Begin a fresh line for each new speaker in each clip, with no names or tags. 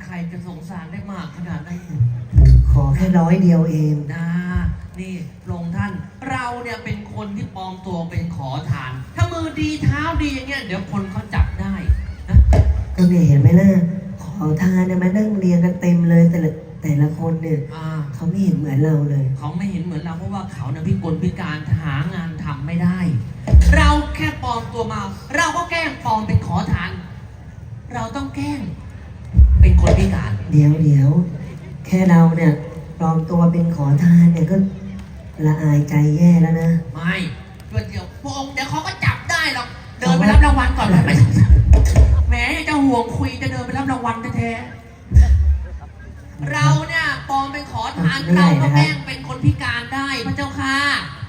รจะสงสารได้มากขนาดนั้น
ขอแค่100 เดียวเอง
นะนี่พระองค์ท่านเราเนี่ยเป็นคนที่ปลอมตัวเป็นขอทาน ถ้ามือดีเท้าดีอย่างเงี้ยเดี๋ยวคนเขาจับได้นะ
ก็เนี่ยเห็นไหมล่ะขอทานเนี่ยมานั่งเรียงกันเต็มเลยแต่ละคนเนี่ยเขาไม่เห็นเหมือนเราเลย
เขาไม่เห็นเหมือนเราเพราะว่าเขาเนี่ยพิกลพิการหางานทำไม่ได้ เราแค่ปลอมตัวมา เราก็แกล้งปลอมเป็นขอทาน เราต้องแกล้งเป็นคนพิการ
เดี๋ยวแค่เราเนี่ยปลอมตัวเป็นขอทานเนี่ยก็ละอายใจแย่แล้วนะ
ไม่เดี๋ยวพระองค์เดี๋ยวเขาก็จับได้หรอกเดินไปรับรางวัลก่อนไปแหมจะห่วงคุยจะเดินไปรับรางวัลแท้ๆเราเนี่ยปลอมเป็นขอทานเราก็แกล้งเป็นคนพิการได้พระเจ้าค่ะ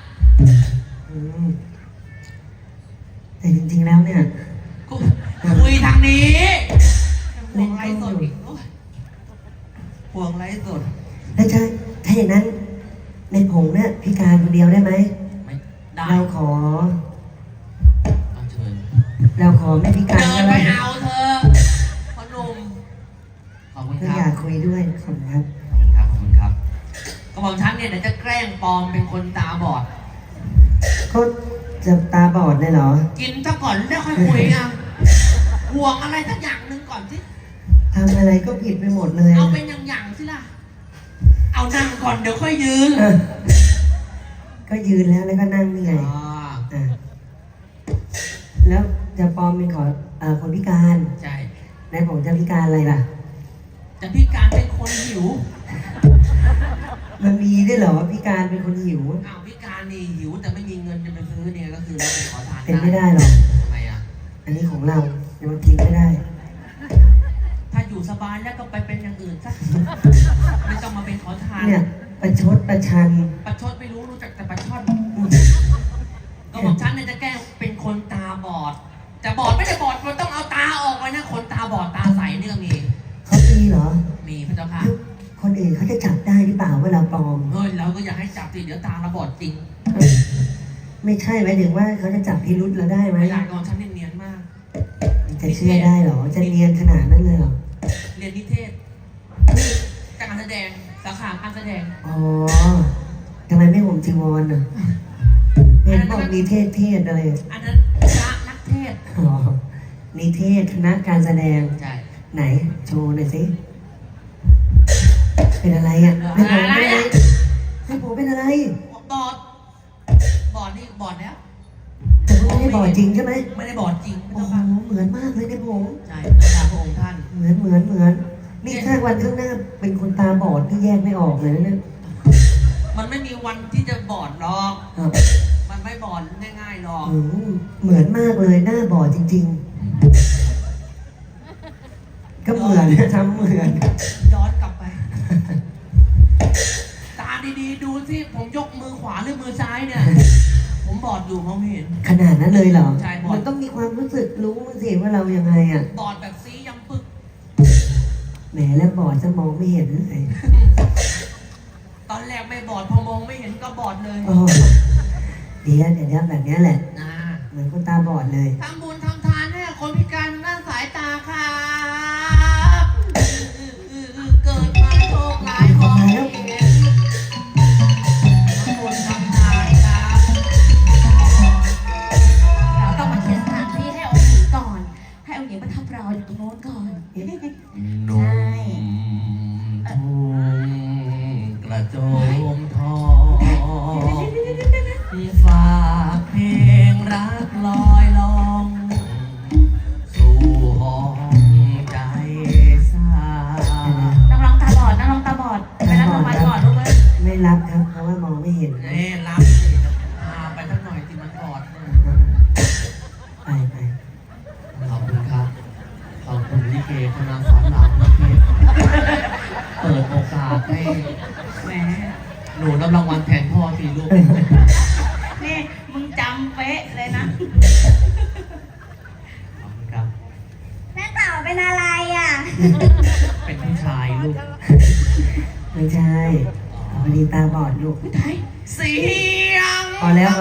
แต่จริงๆแล้วเนี่ย
คุยทางนี้ห่วงไรสดอีกห่วงไรสด
แล้วถ้าอย่างนั้นในผงเนี่ยพิการคนเดียวได้ไหม
ไม่ได้
เราขอ
เชิญ
เราขอไม่พิการ
เดินไปเอาเธอพนมขอบคุณครับ
อยากคุยด้วยขอบคุณครับ
ขอบคุณครับกระบอกฉันเนี่ยเดี๋ยวจะแกล้งปลอมเป็นคนตาบอด
ก็จะตาบอดเลยเหรอ
กินซะก่อนแล้วค่อยคุยนะห่วงอะไรสักอย่างหนึ่งก่อนสิ
ทำอะไรก็ผิดไปหมดเลย
เอาเป็นอย่างสิล่ะเอานั่งก่อนเดี๋ยวค่อยยืน
ก็ยืนแล้วก็นั่งนี่ไงแล้วจะปลอมเป็นคนพิการ
ใช่
ในผมจะพิการอะไรล่ะ
จะพิการเป็นคนหิว
มันมีด้วยเหรอพิการเป็นคนหิว
อ้าวพิการนี่หิวแต่ไม่มีเงินจะไปซื้อเนี่ยก็คือเราเป็นขอทาน
เป็นไม่ได้หรอก
ทำไมอ่ะ
อันนี้ของเราเดี๋ยวทิ้งไม่ได้
ถ้าอยู่สบายแล้วก็ไปเป็นอย่างอื่นซะไม่ต้องมาเป็นขอทาน
เนี่ยประชดประชัน
ไม่รู้จักแต่ประชดก็บอกฉันเนี่ยจะแกล้งเป็นคนตาบอดจะบอดไม่ได้บอดมันต้องเอาตาออกไว้นะคนตาบอดตาใสนี่ก็มี
เขามีเหรอ
มีพระเจ้าค่ะ
คนอื่นเขาจะจับได้หรือเปล่าว่าเราปลอม
เฮ้ยเราก็อยากให้จับสิเดี๋ยวตาเราบอดจริง
ไม่ใช่หมายถึงว่าเขาจะจับพิรุธเราได้ไหม
ไม่ได้ก่อนฉันเนียนมาก
จะเชื่อได้เหรอจะเนียนขนาดนั้นเลยเหรอ
เรียนนิเทศการแสดงสาขาการแสดง
อ๋อทำไมไม่ห่มจีวรอ่ะเป็นพวกนิเทศอะไร
อันนั้นพระนักเทศ
อ๋อนิเทศคณะการแสดง
ใช่
ไหนโชว์หน่อยสิเป็นอะไรอ่ะไม่ผมเป็นอะไรไม่ผมเป็นอะไร
บอดนี่บอดแล้ว
แต่ไม่ได้บอดจริงใช่ไหม
ไม่ได้บอดจริง
โอ้โหเหมือนมากเลยเนี่ยผม
ใช่พระองค์ท่าน
เหมือนนี่ถ้าวันข้างหน้าเป็นคนตาบอดที่แยกไม่ออกเลยนะเนี่ย
มันไม่มีวันที่จะบอดหรอกมันไม่บอดง่ายๆหรอก
เหมือนมากเลยหน้าบอดจริงๆก็เหมือนทำเหมือน
ย้อนกลับไปตาดีๆดูสิผมยกมือขวาหรือมือซ้ายเนี่ยผมบอดอยู่มองไม่เห็น
ขนาดนั้นเลยเหรอ
ใช่บอด
มันต้องมีความรู้สึกรู้สิว่าเรายังไงอ่ะ
บอดแบบซียังปึก
แหมแล้วบอดจะมองไม่เห็นเลย
ตอนแรกไม่บอดพอมองไม่เห็นก็บอดเลย
เดี๋ยวแบบนี้แหละเหมือนคนตาบอดเลย
ทำบุญทำทานให้คนพิการด้านสายตาค่ะเกิดมาโชคร้ายมองไม่เห็นทำบุญทำทานครับ
เราต้องมาเคลียร์สถานที่ให้องค์หญิงก่อนให้องค์หญิงประทับเราอยู่ตรงโน้นก่อน
ใช่กระโจมทองฝากเพลงรักลอยลองสู่ห้องใจสา
นักร้องตาบอดไปรับรางวัลก่อนลูกเอ้ย
ไม่รับครับเพราะว่ามองไม่เห็น
รับสิไปสักหน่อยสิมันบอด
ไป
ขอบคุณครับขอบคุณลิเกคณะสอนรามนะพี่เปิดโอกาสให้แม่หนูรับรางวัลแทนพ่อสิลูก
นี่มึงจำเป๊ะเลยนะ
ขอบคุณครับ
แม่ต่อเป็นอะไรอ่ะ
เป็นผู้ชายลูก
ไม่ใช่พอดีตาบอดลูก
เสียง
พอแล้ว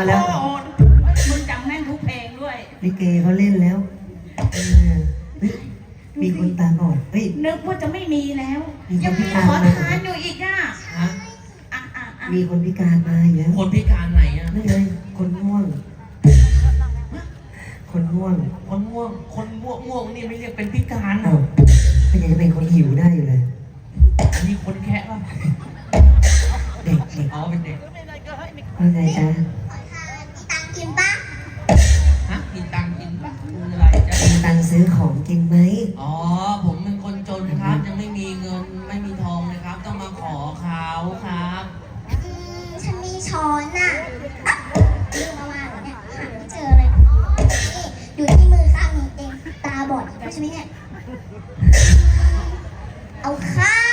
มึงจำแม่นทุกเพลงด้วย
ลิเกเขาเล่นแล้ว
ด
มีคนตาบอดเฮ้ย
นึกว่าจะไม่มีแล้ว
มีคน
ยัง
พิ
มี
การ
ขอ
มา
ทานอยู่อีกอ่ะ
ฮะ
อ่ะ
มีคนพิการมาอีกแล้ว
คนพิการไหนอ่ะ
ไม่เลยคนง่วง คนง่วง
คนง่วง คนง่วงนี่ไม่เรียกเป็นพิการ
อ้าวก็ยังจะเป็นคนหิวได้อยู่เลย
อันนี้คนแค่ป่ะ
เด็กเด็ก
อ๋อเป็นเด็ก
ว่าไงจ๊ะ
ตังกินปะ
ฮะกินตังค์กินป่ะคืออะไรจ๊ะ
มีตังค์ซื้อของกินไหม
อ๋อ ผมเป็นคนจนครับ ยังไม่มีเงินไม่มีทองเลยครับ ต้องมาขอเขาครับ
ฉันมีช้อนน่ะอ่ะลืมมาวางเหรอเนี่ยหาไม่เจอเลยอ๋อนี่อยู่ที่มือข้างนี้เองตาบอดอีกแล้วใช่ไหมเนี่ยเอาข้าว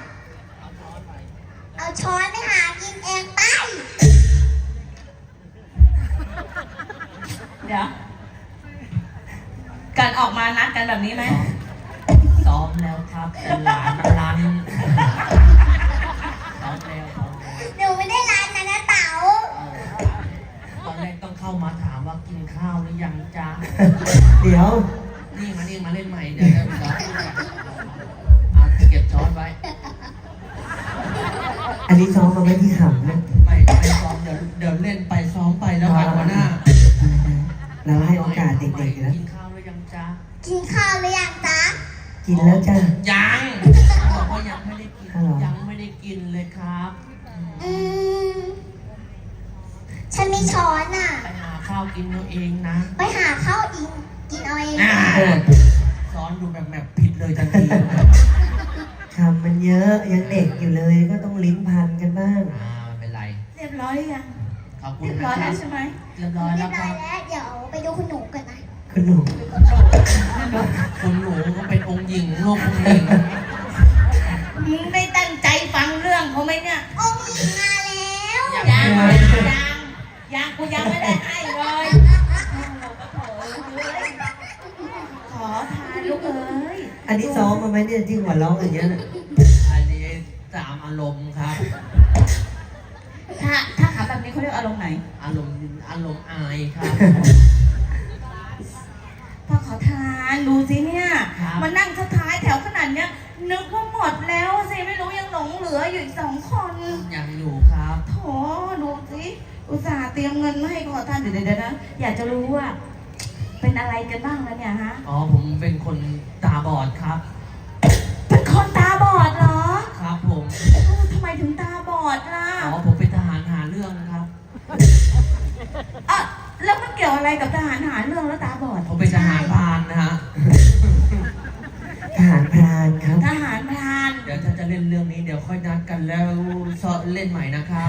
เอาช้อนไปหากินเองไป
เดี๋ยวการออกมานัดกันแบบนี้ไหม
ซ้อมแล้วครับแต่หลานมันรันซ้อมแล้วซ้อมแล้ว
หนูไม่ได้ร้านนะนะเต๋า
ตอนแรกต้องเข้ามาถามว่ากินข้าวหรือยังจ๊ะ
เดี๋ยว
นี่มาเล่นใหม่เดี๋ยวจะซ้อมเอาเก็บช้อนไว้
อันนี้ซ้อมมาไว้ที่ขำนะ
ไม่ซ้อมเดี๋ยวเล่นไปซ้อมไปแล้วกันหัวหน้า
เราให้โอกาสเด็กๆนะ
กินข้าวหรือยังจ๊ะ
กินข้าวหรือยังจ๊ะ
กินแล้วจ้ะ
ยังบอกว่ายังไม่ได้กิน
อ้าวเหรอ
ยังไม่ได้กินเลยครับ
อืมฉันมีช้อนน่ะ
ไปหาข้าวกินเอาเองนะ
ไปหาข้าวอิงกินเอาเอง
อ่า
เออ
สอนดูแบบผิดเลยทันที
คำมันเยอะยังเด็กอยู่เลยก็ต้องลิ้นพันกันบ้าง
ไม่เป็นไร
เรียบร้อยหรือยัง
ขอบคุณ
เรียบ
นะ
ร้อย
ค
แล้
รั
ว
บ
ใช่ไหม
เรียบร้อย
เรี
แล้
ยว บ
ค
ร้อ
รั
ย
บ
แล้วเดี๋ยวไปดูคุณหนูกันนะ
คุณหนุ่ม
คุณหนูก็เป็นองค์หญิงโลกองค์หญิง
มึงได้ตั้งใจฟังเรื่องเขาไหมเนี่ย
องค์หญิงมาแล้ว
ยังกูยังไม่ได้ให้เลยขอทานลูกเอ้ย
อันนี้ซ้อมมาไหมเนี่ยที่หัวเราะอย่างเงี้ยน่ะ
อันนี้ตามอารมณ์ครับ
ถ้าถามแบบนี้เขาเรียกอารมณ์ไหน
อารมณ์อายครับ
พ่อขอทานดูสิเนี่ย
ครับ
มานั่งท้ายแถวขนาดเนี้ยนึกว่าหมดแล้วสิไม่รู้ยังหลงเหลืออยู่อีก2 คน
ยังอยู่ครับ
โถดูสิอุตส่าห์เตรียมเงินมาให้ขอทานเดี๋ยวนะอยากจะรู้ว่า เป็นอะไรกันบ้างแล้วเนี่ยฮะ
อ๋อผมเป็นคนตาบอดครับ
เป็นคนตาบอดเหรอ
ครับผม
ทำไมถึงตาบอดล่ะ
อ๋อผมเป็นทหารหาเรื่องครับ
อ่ะแล้วมันเกี่ยวอะไรกับทหารหาเรื่องแล้วตาบอด
ผมเป็นทหารพรานนะฮะ
ทหารพรานครับ
ทหารพราน
เดี๋ยวถ้าจะเล่นเรื่องนี้เดี๋ยวค่อยนัดกันแล้วเล่นใหม่นะครับ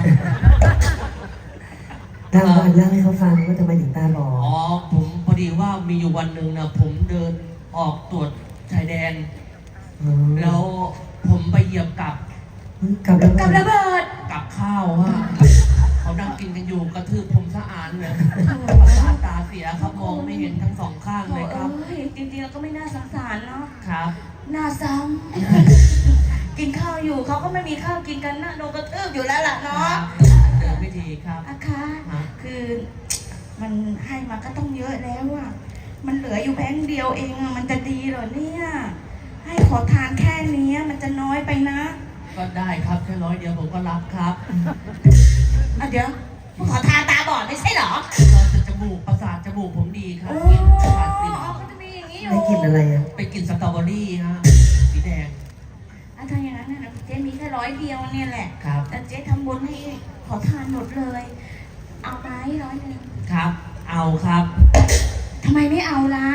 เล่าให้เขาฟังว่าทำไมถึงตาบอด
อ๋อผมพอดีว่ามีอยู่วันหนึ่งนะผมเดินออกตรวจชายแดน
อ๋อ
แล้วผมไปเหยียบกับ
กับระเบิ
กับ
ด
ระเบิด
กับข้าวฮะเขานั่งกินกันอยู่กระทืบผมสะอานเลยประสาทตาเสียครับมองไม่เห็นทั้ง2 ข้างเลยครับ
เอ้ยจริงๆแล้วก็ไม่น่าสงสารเนาะ
ครับ
น่าซ้ำ กินข้าวอยู่เขาก็ไม่มีข้าวกินกันนะโดนกระทืบอยู่แล้วล่ะเนาะ
เดินพิธีครับ
อาคาคือมันให้มาก็ต้องเยอะแล้วอะมันเหลืออยู่แบงค์เดียวเองอะมันจะดีเหรอเนี่ย ให้ขอทานแค่นี้มันจะน้อยไปนะ
ก็ได้ครับแค่100 เดียวผมก็รับครับ
อ่ะเดี๋ยวขอทานตาบอดไม่ใช่เหรอ
ก็จะจมูกประสาทจมูกผมดีครับ
โอ้
กินประสาทกลิ่น
ก็จะมีอย่างนี้อยู่
ได้กินอะไรอ่ะ
ไปกินสตรอเบอรี่ฮะสีแดง
ถ้าอย่างนั้นนะเจ๊มีแค่100 เดียวเนี่ยแหละ
ครับ
แต่เจ๊ทำบุญให้ขอทานหมดเลย เอาไหม100
ครับ เอาครับ
ทำไมไม่เอาล่ะ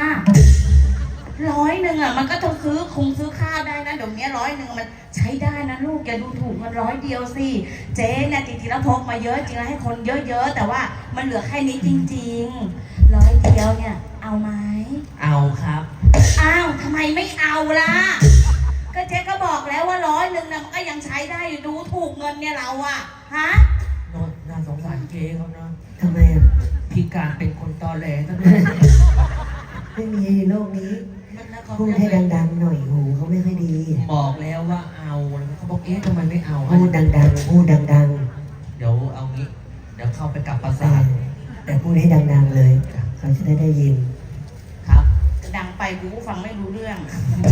100อ่ะมันก็ต้องซื้อข้าวได้นะเดี๋ยวนี้100มันใช้ได้นะลูกอย่าดูถูกมัน100 เดียวสิเจ๊เนี่ยจริงๆแล้วพกมาเยอะจริงแล้วให้คนเยอะๆแต่ว่ามันเหลือแค่นี้จริงๆ100 เดียวเนี่ยเอาไหม
เอาครับ
อ้าวทำไมไม่เอาล่ะก็เจ๊ก็บอกแล้วว่า100นะมันก็ยังใช้ได้อยู่ดูถูกเงินเนี่ยเราอะฮะ
น่าสงสารเจ๊เขาเนาะ
ทำไมอ่ะ
พิการเป็นคนตอแหลทั้งนั้น
ไม่มีในโลกนี้
มันนะเขา
พูดให้ดังๆหน่อยหูเขาไม่ค่อยดี
บอกแล้วว่าเอาเขาบอกทำไมไม่เอา
พูดดังๆพูดดัง
เดี๋ยวเอางี้ เดี๋ยวเข้าไปกับประ
ๆ
สาท
แต่พูดให้ดังๆเลยเขาจะได้ยิน
ครับ
ดังไปกูก็ฟังไม่รู้เรื่อง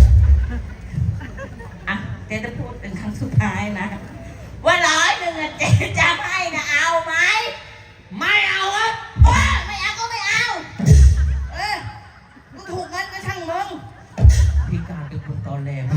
อ่ะเจ๊จะพูดเป็นครั้งสุดท้ายนะว่า100อะเจ๊จะให้นะเอาไหม
ไม่เอาครับ
ว่าไม่เอาก็ไม่เอากูถูกเงินก็ช่างมึง
พี่การเป็นคนตอแหลมาก